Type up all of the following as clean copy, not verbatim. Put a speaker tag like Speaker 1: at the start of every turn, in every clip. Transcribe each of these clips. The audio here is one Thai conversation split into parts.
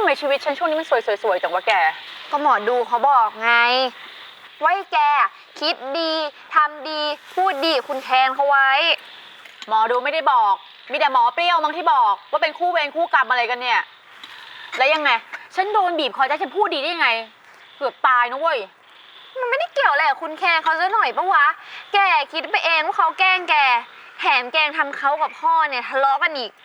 Speaker 1: มชีวิตฉันช่วงนี้มันสวยๆจังวะแก
Speaker 2: ก็หมอดูเขาบอกไงไว้แกคิดดีทำดีพูดดีคุณแทนเขาไว้
Speaker 1: หมอดูไม่ได้บอกมีแต่หมอเปรี้ยวมั้งที่บอกว่าเป็นคู่เวรคู่กรรมอะไรกันเนี่ยแล้วยังไงฉันโดนบีบคอจะฉันพูดดีได้ยังไงเกือบตายนะเว้ย
Speaker 2: มันไม่ได้เกี่ยวอะไรกับคุณแคนเขาซะหน่อยปะวะแกคิดไปเองว่าเขาแกล้งแกแถมแกล้งทำเขากับพ่อเนี่ยทะเลาะกันอีก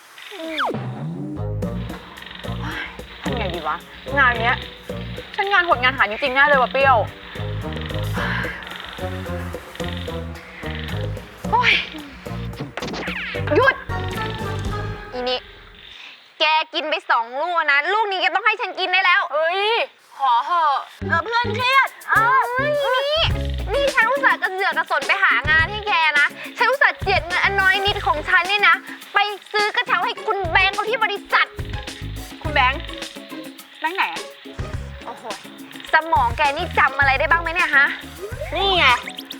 Speaker 1: ทำไงดีวะงานเนี้ยฉันงานหดงานหายจริงๆแน่เลยว่ะเปรี้ยว
Speaker 2: โอ้ยหยุดอีนี่แกกินไป2 ลูกนะลูกนี้แกต้องให้ฉันกินได้แล้ว
Speaker 1: เฮ้ยขอเหอะเพื่อนเครียด
Speaker 2: นี่ฉันอุตส่าห์กระเสือกกระสนไปหางานให้แกนะฉันอุตส่าห์เจียดเงินอันน้อยนิดของฉันเนี่ยนะไปซื้อกระเช้าให้คุณแบงค์เขาที่บริษัท
Speaker 1: คุณแบงค์ไหนอะ
Speaker 2: โอ้โหสมองแกนี่จำอะไรได้บ้างไหมเนี่ยฮะ
Speaker 1: นี่ไง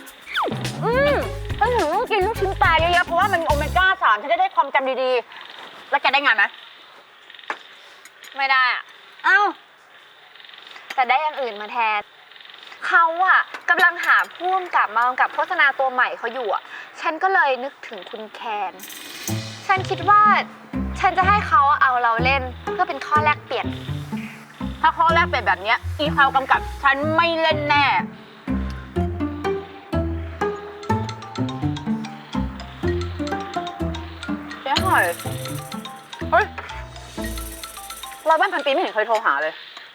Speaker 1: ฉันถึงต้องกินลูกชิ้นปลาเยอะๆเพราะว่ามันโอเมก้า3ฉันจะได้ความจำดีๆแล้วแกได้งานไหม
Speaker 2: ไม่ได้อะ
Speaker 1: อ้าว
Speaker 2: แต่ได้อย่างอื่นมาแทนเขาอะกำลังหาผู้กำกับมากำกับโฆษณาตัวใหม่เขาอยู่อะฉันก็เลยนึกถึงคุณแคนฉันคิดว่าฉันจะให้เขาเอาเราเล่นเพื่อเป็นข้อแลกเปลี่ยน
Speaker 1: ถ้าข้อแรกเป็นแบบนี้อีพาวกำกับฉันไม่เล่นแน่เจ๊หอยเฮ้ย100 วันพันปีไม่เห็นเคยโทรหาเลย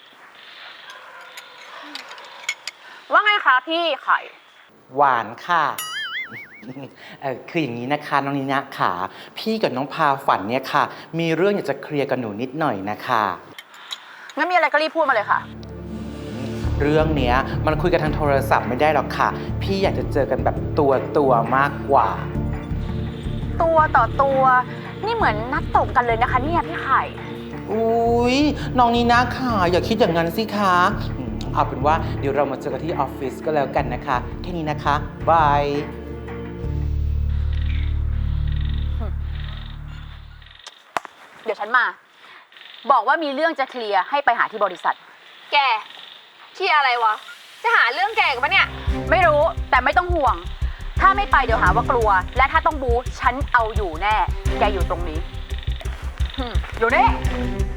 Speaker 1: ว่าไงคะพี่ไข่
Speaker 3: หวานค่ะคืออย่างนี้นะคะน้องนินะค่ะพี่กับน้องพาฝันเนี่ยค่ะมีเรื่องอยากจะเคลียร์กับหนูนิดหน่อยนะคะ
Speaker 1: งั้นมีอะไรก็รีบพูดมาเลยค่ะ
Speaker 3: เรื่องเนี้ยมันคุยกันทางโทรศัพท์ไม่ได้หรอกค่ะพี่อยากจะเจอกันแบบตัวมากกว่า
Speaker 1: ตัวต่อตัวนี่เหมือนนัดตบกันเลยนะคะเนี่ยพี่ไข่
Speaker 3: อุ๊ยน้องนินะค่ะอย่าคิดอย่างนั้นสิคะเอาเป็นว่าเดี๋ยวเรามาเจอกันที่ออฟฟิศก็แล้วกันนะคะแค่นี้นะคะบาย
Speaker 1: เดี๋ยวฉันมาบอกว่ามีเรื่องจะเคลียร์ให้ไปหาที่บริษัท
Speaker 2: แกเคลียร์อะไรวะจะหาเรื่องแกกันปะเนี่ย
Speaker 1: ไม่รู้แต่ไม่ต้องห่วงถ้าไม่ไปเดี๋ยวหาว่ากลัวและถ้าต้องบู๊ฉันเอาอยู่แน่แกอยู่ตรงนี้อยู่นี่